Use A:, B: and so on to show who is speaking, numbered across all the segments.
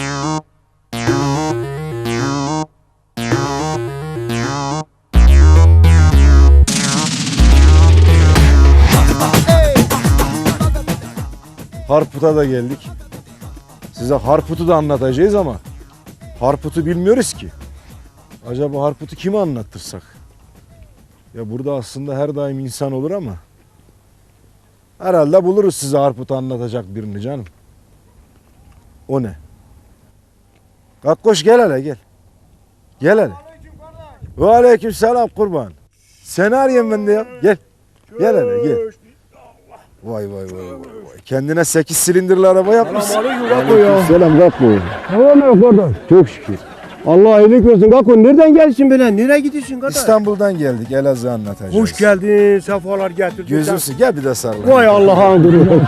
A: Harput'a da geldik. Size Harput'u da anlatacağız ama Harput'u bilmiyoruz ki. Acaba Harput'u kime anlattırsak? Ya burada aslında her daim insan olur ama herhalde buluruz size Harput'u anlatacak birini canım. O ne? Kakkoş gel hele gel. Gel hele. Ve aleyküm selam kurban. Seni arayayım ben de ya. Gel. Gel hele gel. Vay vay vay vay. Kendine 8 silindirli araba yapmışsın.
B: Selam Kakko. Tamam mı kardeş? Çok şükür. Allah iyilik versin Kakko. Nereden gelsin böyle? Nereye gidiyorsun kardeş?
A: İstanbul'dan geldik. Elazığ anlatacağız.
B: Hoş geldin. Sefalar getirdin.
A: Gözümsün. Gel bir de sarıl.
B: Vay Allah'ın kuru.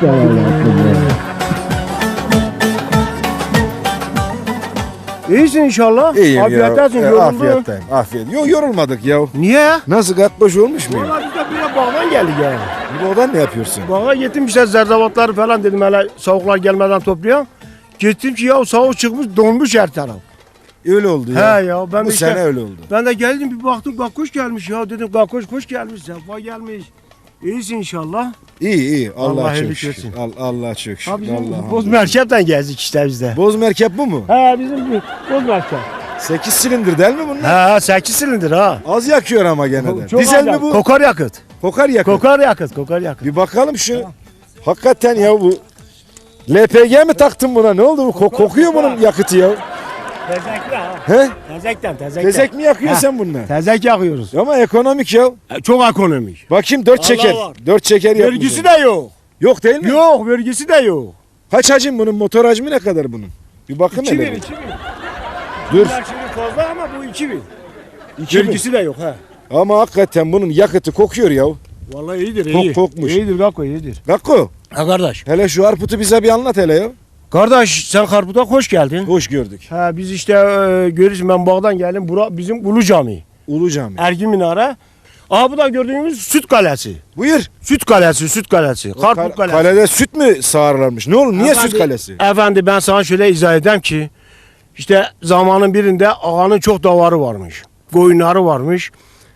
B: İyisin inşallah.
A: İyiyim
B: Afiyettesin.
A: ya.
B: Yoruldun.
A: Afiyetteyim. Afiyet. Yok yorulmadık ya.
B: Niye?
A: Nasıl Kakkoş olmuş muyum?
B: Valla biz de bir bağdan geldik ya.
A: Bu odan ne yapıyorsun?
B: Bağa gittim işte zerzevatları falan dedim hele soğuklar gelmeden toplayalım. Gittim ki ya soğuk çıkmış donmuş her taraf.
A: Öyle oldu ya.
B: He ya ben
A: Bu
B: de işte,
A: sene öyle oldu.
B: ben de geldim bir baktım Kakkoş gelmiş ya dedim Kakkoş hoş gelmiş sefa gelmiş. İyisin inşallah.
A: İyi.
B: Allah
A: Allah çok
B: iyilik
A: şükür.
B: versin.
A: Allah çok şükür.
B: Ha bizim
A: Allah
B: Boz Merkez'den gezdik işte biz de.
A: Boz merkep bu mu?
B: He bizim Boz Merkez.
A: 8 silindir değil mi bunlar?
B: He 8 silindir ha.
A: Az yakıyor ama gene de.
B: Çok
A: Dizel
B: acayip.
A: mi bu?
B: Kokar yakıt.
A: Kokar yakıyor.
B: Kokar yakıt.
A: Bir bakalım şu. Hakikaten ya bu. LPG mi taktın buna? Ne oldu bu? Kokuyor bunun yakıtı ya.
B: Tezekli ha.
A: He?
B: Tezekten.
A: Tezek mi yakıyorsun
B: Ha.
A: sen bununla?
B: Tezek yakıyoruz.
A: Ama ekonomik ya.
B: Çok ekonomik.
A: Bakayım 4
B: Allah
A: çeker.
B: var.
A: 4 çeker yapmış.
B: Vergisi de yok.
A: Yok değil mi?
B: Yok vergisi de yok.
A: Kaç hacim bunun? Motor hacmi ne kadar bunun? Bir bakın
B: 2000
A: hele.
B: 2000.
A: Dur.
B: Bunlar şimdi fazla ama bu 2000.
A: 2000.
B: Vergisi de yok ha.
A: Ama hakikaten bunun yakıtı kokuyor ya.
B: Vallahi iyidir iyi.
A: Kokmuş.
B: İyidir Kakko iyidir.
A: Kakko.
B: Ha kardeş.
A: Hele şu Harput'u bize bir anlat hele ya.
B: Kardeş sen Harput'a hoş geldin.
A: Hoş gördük.
B: Ha biz işte görürsün ben bağdan geldim. Bura bizim Ulu Cami.
A: Ulu Cami.
B: Ergin Minare. Aha bu da gördüğümüz Süt Kalesi.
A: Buyur.
B: Süt Kalesi, Süt Kalesi. Harput Kalesi.
A: Kalede süt mü sağarlarmış? Ne olur? Niye süt kalesi?
B: Efendi ben sana şöyle izah edeyim ki işte zamanın birinde ağanın çok davarı varmış. Koyunları varmış.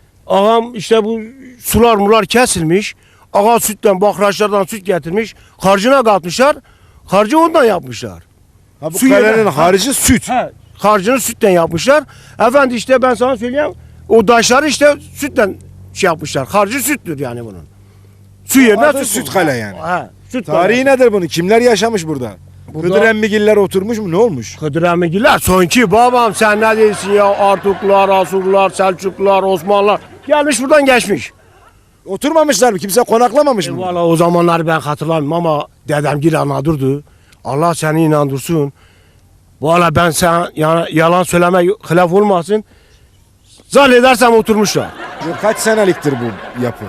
B: Ağam işte bu sular mular kesilmiş. Ağa sütten, bakraçlardan süt getirmiş. Harcına katmışlar. Harcı ondan yapmışlar.
A: Ha bu
B: Su
A: kalenin
B: yerine-
A: harcı süt.
B: He, harcını sütten yapmışlar. Efendi işte ben sana söyleyeyim. O taşları işte sütten şey yapmışlar. Harcı süttür yani bunun. Su yerine
A: Adı
B: süt.
A: süt
B: bu.
A: kale yani.
B: He, süt
A: Tarihi
B: kale.
A: nedir bunun? Kimler yaşamış burada?
B: Burada-
A: Kıdır emmigiller oturmuş mu? Ne olmuş?
B: Kıdır Emigiller sonki babam sen ne diyorsun ya Artuklular, Asurlular, Selçuklular, Osmanlılar gelmiş buradan geçmiş.
A: Oturmamışlar mı? Kimse konaklamamış mı?
B: Valla o zamanlar ben hatırlamıyorum ama dedemgil anladırdı. Allah seni inandırsın. Valla ben sen yalan söyleme hilaf olmasın. Zannedersem oturmuşlar.
A: Kaç seneliktir bu yapı?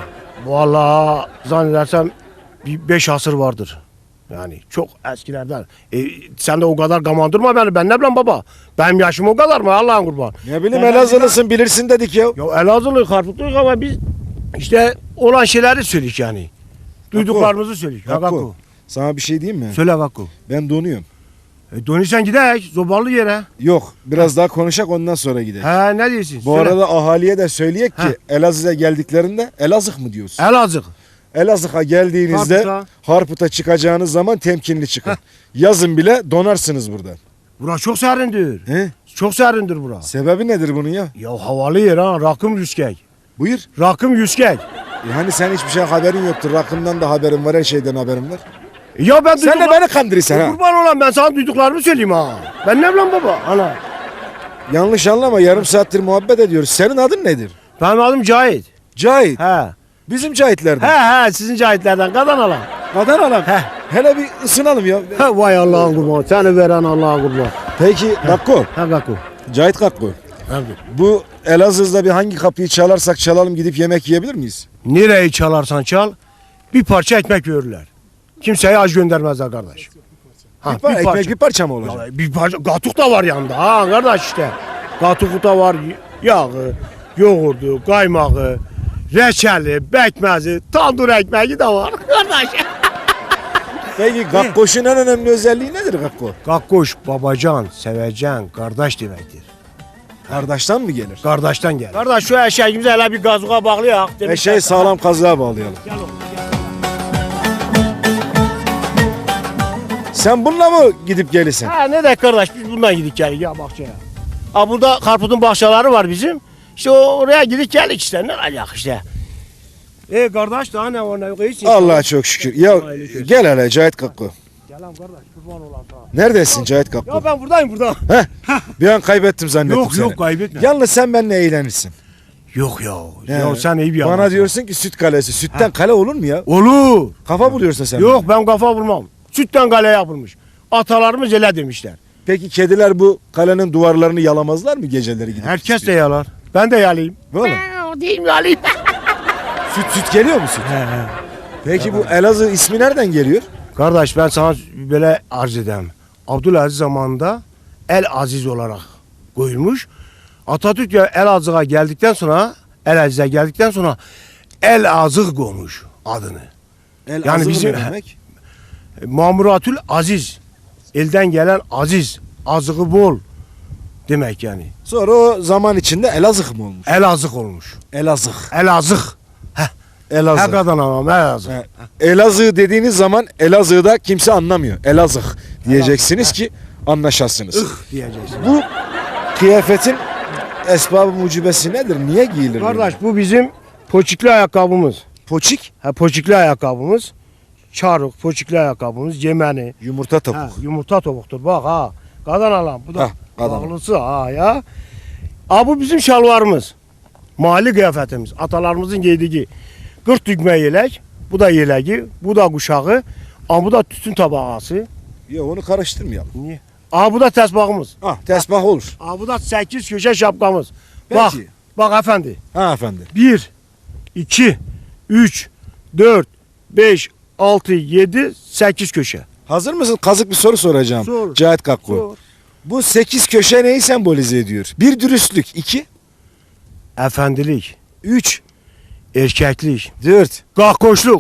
B: Valla zannedersem bir 5 asır vardır. Yani çok eskilerden. Sen de o kadar gamandırma beni. Ben ne bileyim baba. Benim yaşım o kadar mı Allah'ın kurban.
A: Ne bileyim
B: Ben-
A: Elazığlısın bilirsin dedik ya.
B: Ya Elazığlı Harputluyuz ama biz işte olan şeyleri söyleyik yani. Duyduklarımızı söyleyik. Ha
A: Kakko,
B: Kakko.
A: sana bir şey diyeyim mi?
B: Söyle Kakko.
A: Ben donuyorum.
B: Dönüşsen gidek zobalı yere.
A: Yok biraz daha konuşak ondan sonra gidelim.
B: He ne diyorsun?
A: Bu
B: Söyle.
A: arada ahaliye de söyleyek ki
B: Ha.
A: Elazığ'a geldiklerinde Elazığ mı diyorsun?
B: Elazığ.
A: Elazığ'a geldiğinizde
B: Harput'a.
A: Harput'a çıkacağınız zaman temkinli çıkın. Yazın bile donarsınız burada.
B: Bura çok serindir.
A: He?
B: Çok serindir bura.
A: Sebebi nedir bunun ya?
B: Ya havalı yer ha. Rakım yüzkek.
A: Buyur.
B: Rakım yüzkek.
A: Hani sen hiçbir şey haberin yoktur. Rakımdan da haberin var, her şeyden haberin var.
B: Ya ben
A: Sen de beni kandırırsan ha.
B: Kurban olan ben sana duyduklarımı söyleyeyim ha. Ben ne bileyim baba. Ana.
A: Yanlış anlama, yarım saattir muhabbet ediyoruz. Senin adın nedir?
B: Benim adım Cahit.
A: Cahit.
B: He.
A: Bizim Cahitlerden.
B: He sizin Cahitlerden kadan alan.
A: Kadan alan.
B: He.
A: Hele bir ısınalım ya.
B: He vay Allah'ın kurbanı. Seni veren Allah'ın kurbanı.
A: Peki Kakko.
B: He Kakko.
A: Cahit Kakko.
B: He.
A: Bu Elazığ'da bir hangi kapıyı çalarsak çalalım gidip yemek yiyebilir miyiz?
B: Nereyi çalarsan çal bir parça ekmek verirler. Kimseye aç göndermezler kardeş. Ha,
A: Ekmek bir parça mı olacak?
B: Ya, bir parça gatuk da var yanında ha kardeş işte. Gatuk da var yağı, yoğurdu, kaymağı, reçeli, bekmezi, tandır ekmeği de var kardeş.
A: Peki Gakkoş'un en önemli özelliği nedir Gakko?
B: Gakkoş babacan, sevecen, kardeş demektir.
A: Kardeşten mi gelir?
B: Kardeşten gel. Kardeş şu eşeğimizi hele bir gazığa bağlayak.
A: Eşeği sağlam kazığa bağlayalım.
B: Gel oğlum.
A: Sen bununla mı gidip gelirsin?
B: Ha ne de kardeş biz bundan gidik geldik ya bahçeye. Ha burada karpuzun bahçeleri var bizim. İşte oraya gidip geldik işte ne alak işte. Kardeş daha ne var ne yok iyisin.
A: Allah'a çok şükür. Ya gel hele Cahit Gakko.
B: Gel lan kardeş kurban olan sana.
A: Neredesin Cahit Gakko?
B: Ya ben buradayım burada.
A: Bir an kaybettim zannettim
B: Yok
A: seni.
B: yok kaybetme.
A: Yalnız sen benimle eğlenirsin.
B: Yok ya.
A: He.
B: Ya sen iyi bir
A: Bana
B: adamsın.
A: diyorsun ki süt kalesi. Sütten kale olur mu ya?
B: Olur.
A: Kafa buluyorsun sen.
B: Yok ben kafa vurmam. Sütten kale yapılmış. Atalarımız öyle demişler.
A: Peki kediler bu kalenin duvarlarını yalamazlar mı geceleri gidip?
B: Herkes de yalar. Ben de yalayayım.
A: Böyle.
B: O değil mi yalayayım?
A: Süt geliyor mu süt? Peki bu Elazığ ismi nereden geliyor?
B: Kardeş ben sana böyle arz edeyim. Abdülaziz zamanında El Aziz olarak koyulmuş. Atatürk ya Elazığ'a geldikten sonra El Azık koymuş adını.
A: Elazığ
B: bizim-
A: ne demek?
B: Mamuratül Aziz. Elden gelen aziz. Azığı bol demek yani.
A: Sonra o zaman içinde Elazığ mı olmuş?
B: Elazığ olmuş.
A: Elazığ.
B: Elazığ.
A: Elazığ.
B: Hakikaten ama Elazığ.
A: He. Elazığ dediğiniz zaman Elazığ'da kimse anlamıyor. Elazığ diyeceksiniz ki anlaşasınız.
B: Diyeceksin.
A: Bu kıyafetin esbab-ı mucibesi nedir? Niye giyilir?
B: Kardeş bu bizim poçikli ayakkabımız.
A: Poçik,
B: Poçikli ayakkabımız. Çarık, poçikli ayakkabımız, cemeni.
A: yumurta topuk.
B: Yumurta topuktur bak ha. Kadan alan bu da
A: Hah, kadan.
B: bağlısı ha ya. Bu bizim şalvarımız. Mahalli kıyafetimiz. Atalarımızın giydiği. 40 düğme yelek. Bu da yeleği. Bu da kuşağı. Bu da tütün tabağası.
A: Ya onu karıştırmayalım.
B: Niye? Bu da tesbağımız.
A: Tesbih olur.
B: Bu da 8 köşe şapkamız.
A: Peki.
B: Bak efendi.
A: Ha efendi.
B: 1, 2, 3, 4, 5, 6, 7, 8 köşe.
A: Hazır mısın? Kazık bir soru soracağım.
B: Sor.
A: Cahit Kakko.
B: Sor.
A: Bu 8 köşe neyi sembolize ediyor? 1 dürüstlük, 2,
B: Efendilik,
A: 3,
B: erkeklik,
A: 4,
B: gahkoşluk.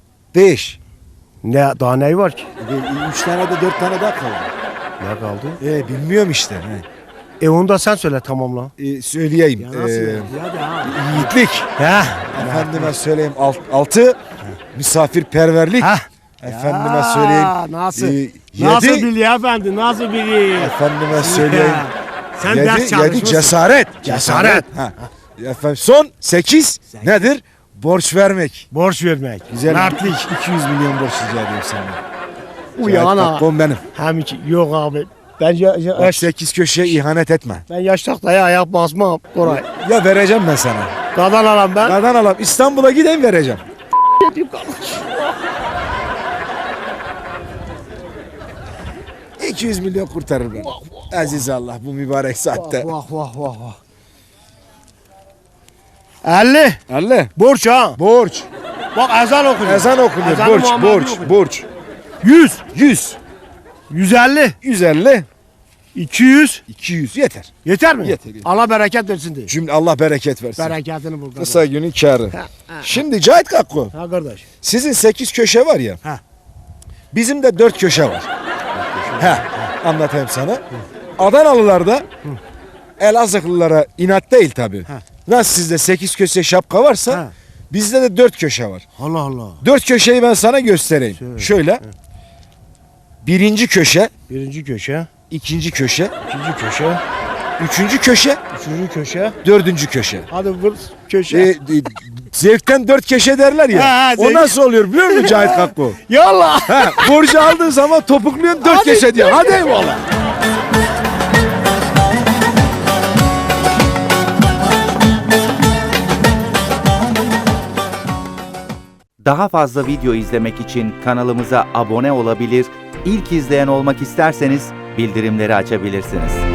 A: 5.
B: Daha ne var ki?
A: 3 tane de 4 tane daha kaldı.
B: Ne kaldı?
A: Bilmiyorum işte.
B: Onu da sen söyle tamamla.
A: Söyleyeyim. Yiğitlik. Efendime söyleyeyim 6, misafirperverlik. Efendime söyleyeyim.
B: Nasıl?
A: 7,
B: Nasıl biliyor efendi? Nasıl biliyor?
A: efendime söyleyeyim.
B: Sen ders
A: 7
B: çalışmışsın.
A: cesaret.
B: Cesaret.
A: Ha. Efendim, son 8 nedir? Borç vermek.
B: Borç vermek.
A: Güzel.
B: Mertlik.
A: 200 milyon borç rica ediyorum senden.
B: Uyana.
A: Kakkom benim.
B: Hem iki. Yok abi. Ben,
A: Bak 8 köşeye ihanet etme.
B: ben yaştaktaya ayak basmam. Koray.
A: Ya vereceğim ben sana.
B: Kadan alan ben.
A: Nereden alalım? İstanbul'a gideyim vereceğim. 200 milyon kurtarır beni. Aziz Allah bu mübarek saatte.
B: Vah. 50.
A: 50.
B: Borç ha.
A: Borç.
B: Bak ezan okunuyor.
A: Ezan okunuyor.
B: Ezanı
A: Borç,
B: Muhammed
A: borç,
B: okunuyor.
A: borç.
B: 100.
A: 100.
B: 150.
A: 150.
B: 200.
A: 200 yeter.
B: Yeter mi?
A: Yeter.
B: Allah bereket versin diye.
A: Cümle Allah bereket versin.
B: Bereketini bul.
A: Kısa günün kârı. Şimdi Cahit Kakko,
B: Ha kardeş.
A: sizin 8 köşe var ya.
B: Ha.
A: Bizim de 4 köşe var. Anlatayım sana. Adanalılarda Elazığlılara inat değil tabi. Nasıl sizde 8 köşe şapka varsa
B: Ha.
A: bizde de 4 köşe var.
B: Allah Allah.
A: 4 köşeyi ben sana göstereyim.
B: Söyle.
A: Şöyle. Birinci köşe,
B: Birinci köşe.
A: ikinci köşe,
B: İkinci köşe.
A: üçüncü köşe,
B: Üçüncü köşe.
A: dördüncü köşe.
B: Hadi bu köşe.
A: Zevkten 4 köşe derler ya.
B: Ha,
A: o
B: zevk.
A: nasıl oluyor biliyor musun Cahit Kakko?
B: Yallah.
A: Borcu aldığın zaman topukluyorsun 4 köşe diyor. Hadi eyvallah.
C: Daha fazla video izlemek için kanalımıza abone olabilir, ilk izleyen olmak isterseniz bildirimleri açabilirsiniz.